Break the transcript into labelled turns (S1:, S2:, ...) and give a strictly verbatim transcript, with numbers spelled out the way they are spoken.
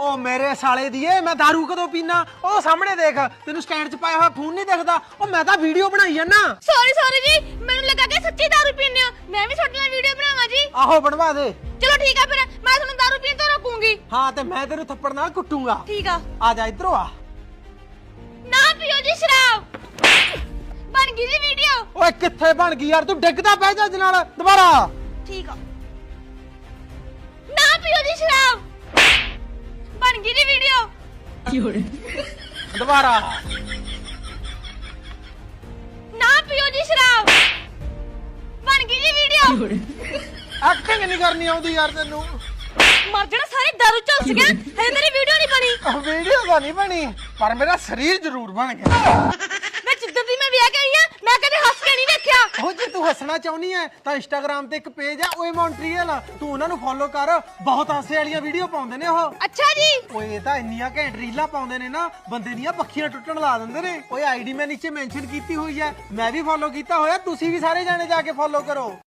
S1: ओ मेरे साले दिए मैं दारू कदों पीना ओ सामने देख तेनू स्टैंड च पाया हुआ फोन नहीं दिखदा ओ मैं तां वीडियो बनाई है ना
S2: सॉरी सॉरी जी मैनू लगा कि सच्ची दारू पीने हो मैं भी ਤੁਹਾਡੇ ਨਾਲ ਵੀਡੀਓ ਬਣਾਵਾਂ ਜੀ
S1: आहो बनवा दे
S2: चलो ठीक है फिर मैं ਤੁਹਾਨੂੰ दारू पीन तो रोकूंगी
S1: हाँ ते मैं तेनू थप्पड़ नाल कुटूंगा
S2: ठीक है
S1: आ जा इधरों आ
S2: ना पियो जी शराब बन गई जी वीडियो
S1: ओए कित्थे बन गई यार तू डिगदा पै जा नाल दोबारा
S2: ठीक है ना पियो जी शराब बन गई जी वीडियो
S1: दोबारा
S2: ना पियो जी शराब बन गई जी वीडियो
S1: एक्टिंग नहीं करनी आउंदी यार तेनू
S2: मर जाना सारे दारू चुस गया हजे तेरी वीडियो नहीं बनी
S1: वीडियो तो नहीं बनी पर मेरा शरीर जरूर बन गया
S2: मैं जिद्दर दी मैं विआह के आई हां मैं कदे हंस के नहीं देखया
S1: ਉਹ ਜੇ ਤੂੰ ਹੱਸਣਾ ਚਾਹੁੰਦੀ ਹੈ ਤਾਂ ਇੰਸਟਾਗ੍ਰam ਤੇ ਇੱਕ ਪੇਜ ਹੈ ਓਏ ਮੌਂਟਰੀਅਲ ਤੂੰ ਉਹਨਾਂ ਨੂੰ ਫੋਲੋ ਕਰ ਬਹੁਤ ਹਾਸੇ ਵਾਲੀਆਂ ਵੀਡੀਓ ਪਾਉਂਦੇ ਨੇ ਉਹ
S2: अच्छा जी
S1: ਓਏ ਇਹ ਤਾਂ ਇੰਨੀਆਂ ਘੈਂਟ ਰੀਲਾਂ ਪਾਉਂਦੇ ਨੇ ਨਾ ਬੰਦੇ ਦੀਆਂ ਪੱਖੀਆਂ ਟੁੱਟਣ ਲਾ ਦਿੰਦੇ ਨੇ ਓਏ ਆਈਡੀ ਮੈਂ ਨੀਚੇ ਮੈਂਸ਼ਨ ਕੀਤੀ ਹੋਈ ਹੈ ਮੈਂ ਵੀ ਫੋਲੋ ਕੀਤਾ ਹੋਇਆ ਤੁਸੀਂ ਵੀ ਸਾਰੇ ਜਾਣੇ ਜਾ ਕੇ ਫੋਲੋ ਕਰੋ